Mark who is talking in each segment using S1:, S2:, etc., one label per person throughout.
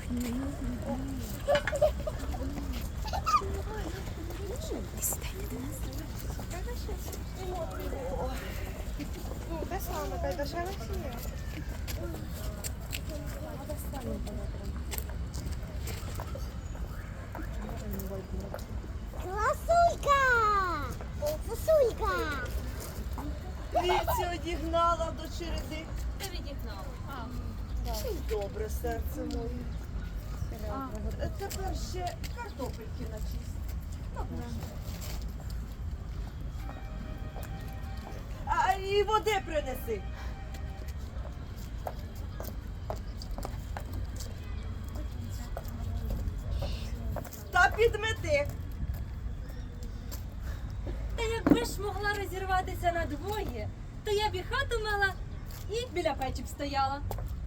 S1: Ну, те саме, та й дешеве всі.
S2: Ласулька! Ласулька!
S3: Вівці одігнала до череди.
S4: Ти відігнала.
S3: Добре, серце моє. Тепер ще картопельки начисть. А і води принеси. Та підмети.
S4: Та якби ж могла розірватися на двоє, то я б і хату мала і біля печі б стояла.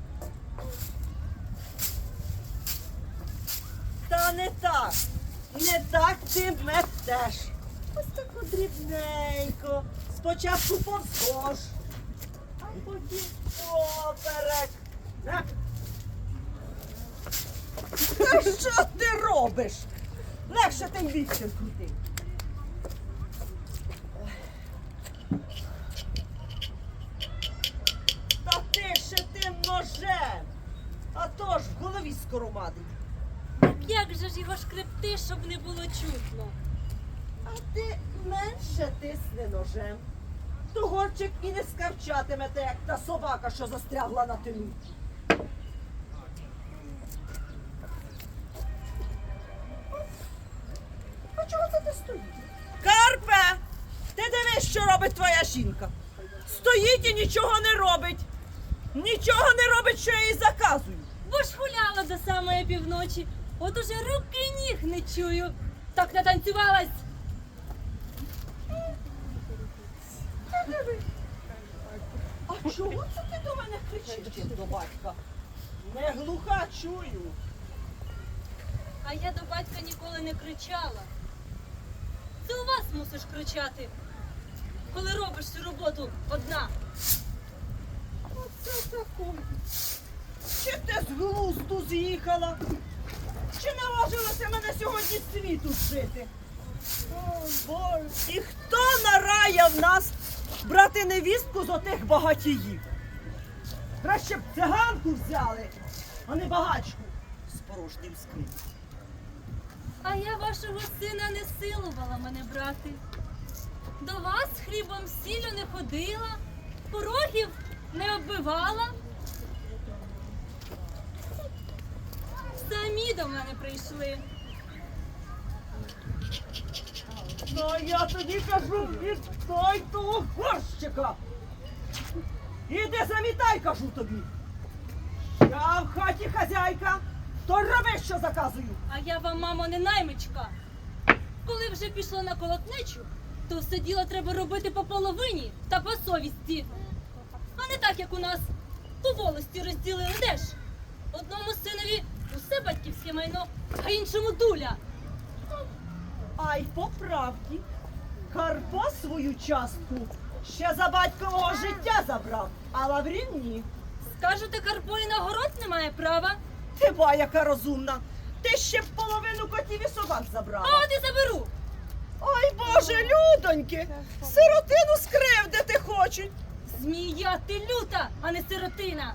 S3: Та не так. Не так ти метеш. Ось таку дрібненько. Спочатку повздовж, а потім поперек. На. Та що ти робиш? Легше тим віцем крути. Та ти ще тим ножем. А то ж в голові скоромадить.
S4: Як же ж його шкребти, щоб не було чутно?
S3: А ти менше тисни ножем. То горчик і не скавчатимете, як та собака, що застрягла на тину. А чого це ти стоїш? Карпе! Ти дивись, що робить твоя жінка. Стоїть і нічого не робить. Нічого не робить, що я їй заказую.
S4: Бо ж гуляла до самої півночі, от уже руки й ніг не чую. Так натанцювалась.
S3: А чого це ти до мене кричиш, як до батька? Не глуха чую.
S4: А я до батька ніколи не кричала. Це у вас мусиш кричати, коли робиш цю роботу одна.
S3: Оце таке. Чи ти з глузду з'їхала? Чи наважилася мене сьогодні з світу жити? О, Боже, і хто нараяв нас брати невістку з отих багатіїв? Краще б циганку взяли, а не багачку з порожнім скринем.
S4: А я вашого сина не силувала мене брати. До вас хлібом сіллю не ходила, порогів не оббивала. Самі до мене прийшли.
S3: Ну, я тоді кажу, віддай того горщика. Іди замітай, кажу тобі. Я в хаті хазяйка, то роби, що заказую.
S4: А я вам, мамо, не наймичка. Коли вже пішло на колотнечу, то все діло треба робити по половині та по совісті. А не так, як у нас по волості розділили. Де ж? Одному синові усе батьківське майно, а іншому дуля.
S3: А й по правді, Карпо свою частку ще за батькового життя забрав, а Лаврін ні.
S4: Скажете, Карпо і на город не має права,
S3: Ти ба, яка розумна. Ти ще б половину котів і собак забрала.
S4: а от і заберу.
S3: Ой, Боже, людоньки, сиротину скривдити хочуть.
S4: Змія ти люта, а не сиротина.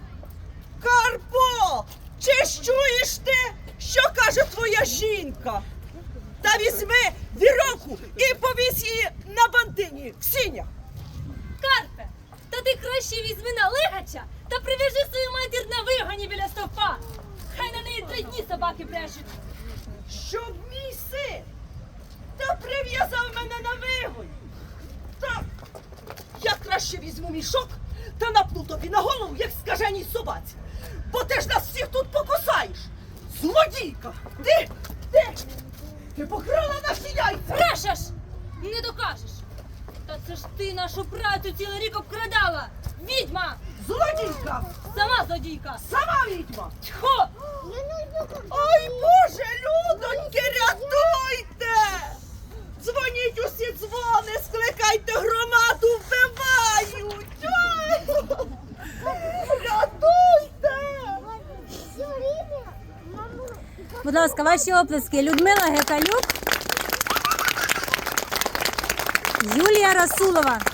S3: Карпо, чи ж чуєш ти, що каже твоя жінка? Та візьми віровку і повісь її на бантині в сінях.
S4: Карпе, та ти краще візьми на лигача та прив'яжи свою матір на вигоні біля стовпа. Хай на неї 3 дні собаки брешуть.
S3: Щоб мій син та прив'язав мене на вигонь. Так, я краще візьму мішок та напну тобі на голову, як скаженій собаці. Бо ти ж нас всіх тут покусаєш. Злодійка! Ти покрала наші яйця!
S4: Брешеш! Не докажеш. Та це ж ти нашу працю цілий рік обкрадала. Відьма!
S3: Злодійка!
S4: Сама злодійка!
S3: Сама відьма!
S4: Тьхо!
S3: Ой, Боже, людоньки, рятуйте! Дзвоніть усі дзвони, скликайте громаду, вбивають! Ой! Рятуйте!
S5: Будь ласка, ваші оплески. Людмила Гекалюк, Юлія Расулова.